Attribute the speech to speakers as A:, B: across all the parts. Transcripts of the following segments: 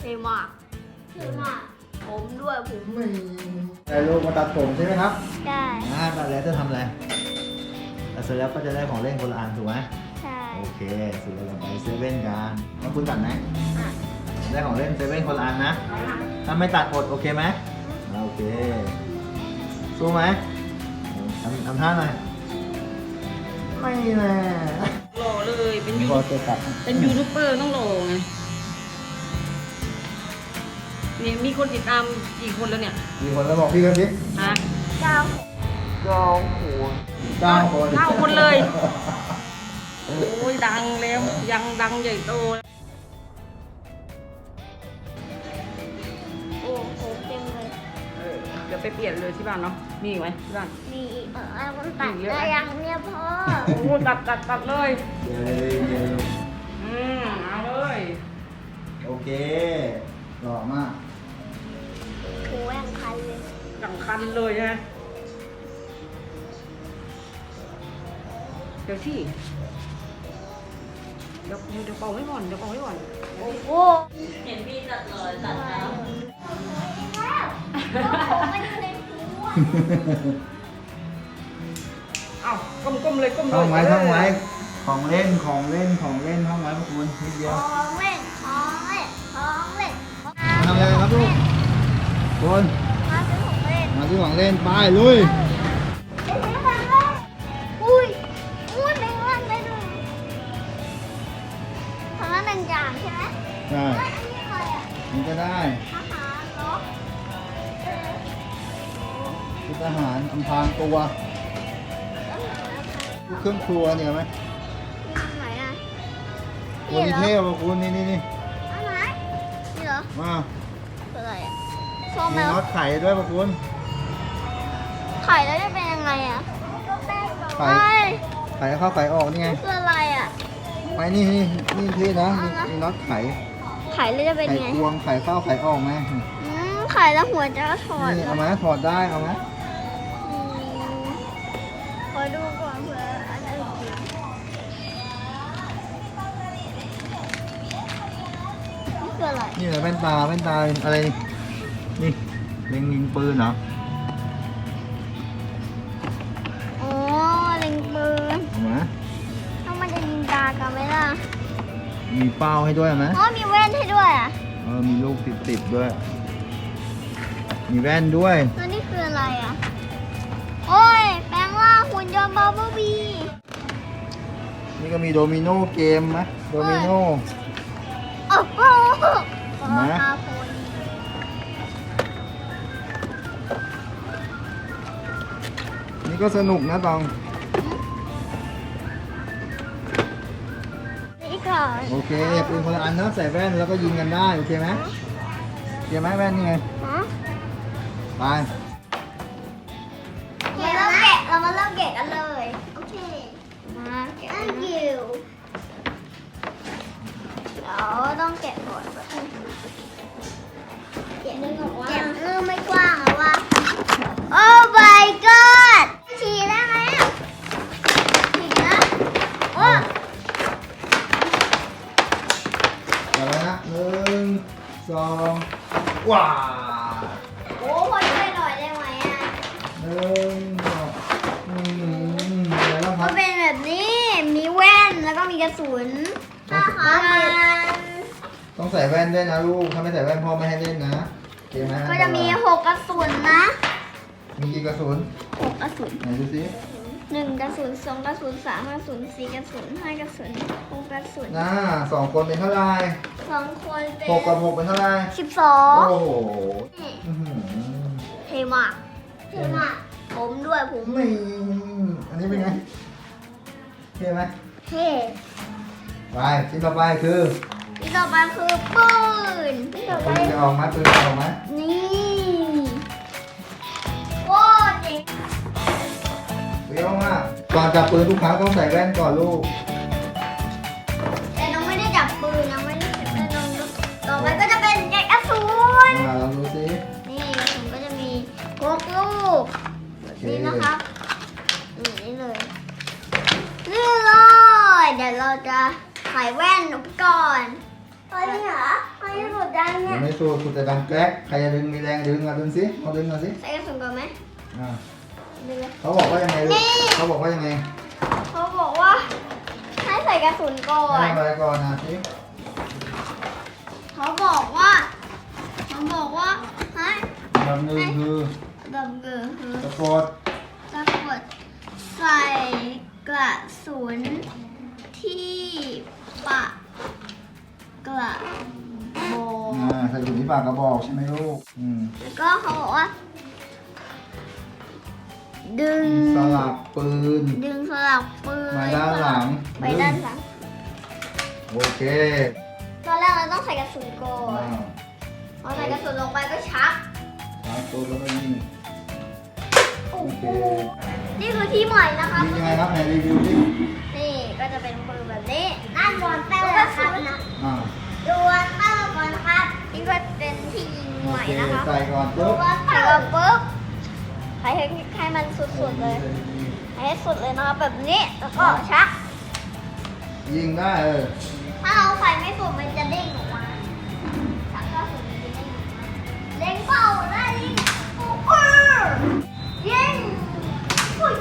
A: ท่มากเท่มากผมด้วยผม
B: ไม่แต่ลูกมาตัดผมใช่ไหมครับ
A: ได้
B: ตัดแล้วจะทำอะไรตัดเสร็จแล้วก็จะได้ของเล่นคนละอันถูกไหม
A: ใช่
B: โอเคสุดแล้วเราไปเซเว่นกันแล้วคุณตัดไหมได้ของเล่นเซเว่นคนละอันนะถ้าไม่ตัดอดโอเคไหมโอเคสู้ไหมทำท่าหน่อยไม่แน่
C: หล่อเลยเป็น
B: พอจะตัด
C: ยูทูบเบอร์ต้องหล่อไงนี่มีคนติดตามกี่คนแล้วเนี่ย
B: กี่คนแล้วบอกพี่กันสิ
C: ฮะ
A: เจ้า
B: 9 คน
C: เลย โอ้ยดังแล้วยังดังใหญ่โต
A: โอ้โหเต็มเลย
C: เดี๋ยวไปเปลี่ยนเลยที่บ้านเนาะมีอีกไหมที่บ้าน
A: มีอีกมันตัดได้ยังเนี่ยพ่อ
C: โอ้ตัดเลย
B: เดี๋ยว
C: เอาเลย
B: โอเคหล่อมาก
A: โอ้ยคันเลย
C: ดังคันเลยฮะเดี๋ยวที่เดี๋ยวเป่าไว้ก่อน
A: โอ้โห
C: เห็นพี่ตัดเลยตัดแล้ว
A: ไม่ได้ในหัว
C: เอ้าก้มเลย
B: ท่องไว้ของเล่นท่องไว้พวกคุณนิดเดียว
A: ของเล่น
B: ทำอะไรครับลูกคุณ
A: มาซื้อของเล่น
B: มาที่ของเล่นไปลุย
A: อุ้ยแมงวันได้ด้วยทำนั้น1 อย่างใช่ไหม
B: ใช่
A: อันนี้อะไรอ่ะ
B: มันก็ได้
A: อาหารเนาะ
B: ชุดทหารอำพรางตัวเครื่องครัวเนี่ยไหม
A: ไหนอ่ะ
B: ตัวนี้เท่ป่ะคุณนี่
A: อันไหนนี่เหรอ
B: มา
A: คืออะไรอ่ะส้ม
B: มี
A: แล้ว
B: น็อตไข่ด้วยป่ะคุณ
A: ไข่แล้วจะเป็นยังไงอ่ะ
B: ไข่ไข่เข้าไข่ออกนี่ไง
A: คืออะไรอ่ะ
B: ไปนี่พี่นะมีน็อตไข่
A: ไข่แล้วจะเป็น
B: ไข่
A: ไง
B: ควงไข่เข้าไข่ออกไหม
A: ไข่แล้วหัวจะถอด
B: นี่เอาไหมถอดได้เอาไหม
A: ขอดูก่อนเผื่ออันอื่นนี่คืออะไร
B: นี่เหรอแว่นตาอะไรนี่เล็งยิงปืนเหรอ
A: อ๋อเล็งปืน
B: เอาไหม
A: ถ้ามันจะยิงตากันไหมล่ะ
B: มีเป้าให้ด้วยไหม
A: อ๋อมีแว่นให้ด้วยอ่ะ
B: มีลูกติดด้วย มีแว่นด้วย
A: แล้วนี่คืออะไรอ่ะ โอ้ยแปลงร่างหุ่นยนต์บับเบิ้ลบี
B: นี่ก็มีโดมิโนเกมไหมโดมิโน
A: โอ้โห
B: ไหน
A: อาโพน
B: นี่ก็สนุกนะตอง
A: นี่ก่อน
B: โอเคปืนคนละอันนะใส่แว่นแล้วก็ยิงกันได้โอเคไหมโอเคไหมแว่นนี่ไง
A: ฮะ
B: ไป
A: โอเคเรามาเริ่มแกะกันเลย โอเค มาแกะ Thank you เดี๋ยวต้องแกะก่อนแกะเรื่องไม่กว้างอะวะ โอ้ my god ฉี่ได้ไหมอะฉี่นะโอ้
B: เดี๋ยวนะ1 2ว้า
A: โหพอช่วยหน่อยได้ไหมอะ
B: 1 2อะไรบ้างค
A: มั
B: รั
A: น
B: บ
A: เป็นแบบนี้ มีแว่นแล้วก็มีกระสุนนะคะ
B: ต้องใส่แว่นด้วยนะลูกถ้าไม่ใส่แว่นพ่อไม่ให้เล่นนะโอเคไหม
A: ก็จะมี6 กระสุนนะ
B: มีกี่กระสุน
A: 6 กระสุน
B: ไหนดูสิ
A: 1 กระสุน 2 กระสุน 3 กระสุน 4 กระสุน 5 กระสุน 6 กระสุน
B: 2 คนเป็นเท่าไหร่
A: 2 คนเป็น
B: 6 กับ 6เป็นเท่าไหร่โอ้โห
A: 12
B: อื้อหือ
A: เท่มากเท่มากผมด้วยผม
B: นี่อันนี้เป็นไงเท่ไหม
A: เท่
B: ไปชิ้นต่อไปคือ
A: ที่ต่อไปคือปืนที่ต่อไป
B: ปืนจะออกไหมปืนจะออกไหม
A: นี่โอ้เจ๋ง
B: เปรี้ยวมากก่อนจับปืนทุกครั้งต้องใส่แว่นก่อนลูก
A: แต่น้องไม่ได้จับปืนน้องไม่ได้จับปืนน้องต่อไปก็จะเป็นแกะกระสุน
B: ลองดูสิ
A: นี่กระสุนก็จะมี6 ลูก
B: โอเค
A: นี่นะครับนี่เลยนี่เลยเดี๋ยวเราจะใส่แว่นก่อนตอนนี้เหรอตอนนี้หมดยังเนี่
B: ยั
A: ย
B: งไม่สู้คุณจะดังแกล้กใครจะดึงมีแรงดึงอ่ะดึงสิเอาดึงมาสิ
A: ใส่กระสุนก่อนไหม
B: อ่า
A: ดึงเลย
B: เขาบอกว่ายังไงลู
A: นี่
B: กเขาบอกว่ายังไง
A: เขาบอกว่าให้ใส่กระสุนก่อน
B: ให้อะไรก่อนนะสิ
A: เขาบอกว่าให้
B: แบบหนึ่งคือ
A: แบบเกิดคือ
B: สะกด
A: สะกดใส่กระสุนที่ปากกระบอก
B: ใส่ถุงที่ปากกระบอกใช่ไหมลูก
A: แล้วก็เขาบอกว่า ดึง
B: สลับปืน
A: ดึงสลับปืน
B: มาด้านหลัง
A: ไปด้านหลัง
B: โอเค
A: ตอนแรกเราต้องใส่กระสุนก่อ
B: อ่าน
A: พอใส่กระสุนลงไปก็ชัก
B: ตามตัวแล้วก็ยิง
A: โอ้
B: โอ
A: โห
B: เค
A: นี่คือที่ใหม่นะคะ
B: ยิงยังไงครับไหนรีวิวดิ
A: นี่ก็จะเป็นปืนแบบนี้นั่นวอนเตอร์ครับนะ
B: อ่า
A: ดูวอนเตอร์ก่อนครับนี่ก็เป็นที่ยิง
B: โอ
A: ใหม่
B: เค
A: นะคะ
B: ใส่ก่อน
A: ดู
B: ปุ๊บ
A: วอนเตอร์ปุ๊บให้มันสุดๆเลยให้สุดเลยนะคะแบบนี้แล้วก็ชัก
B: ยิงได้
A: ถ้าเราใส่ไม่สุดมันจะเด้งออกมาชักก็สุดมันจะเด้งออกมาเด้งเป่าได้ยิงโอ้โหยิงโอ้ย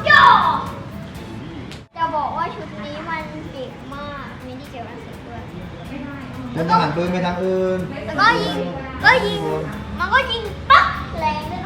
A: จะบอกว่าชุดนี้มันเก่งมากมีที่เกี่ยวกับเสียงด้วย
B: เดินทางหันปืนไปทางอื่น
A: แล้วก็ยิง มันก็ยิงปั๊บแรงด้วย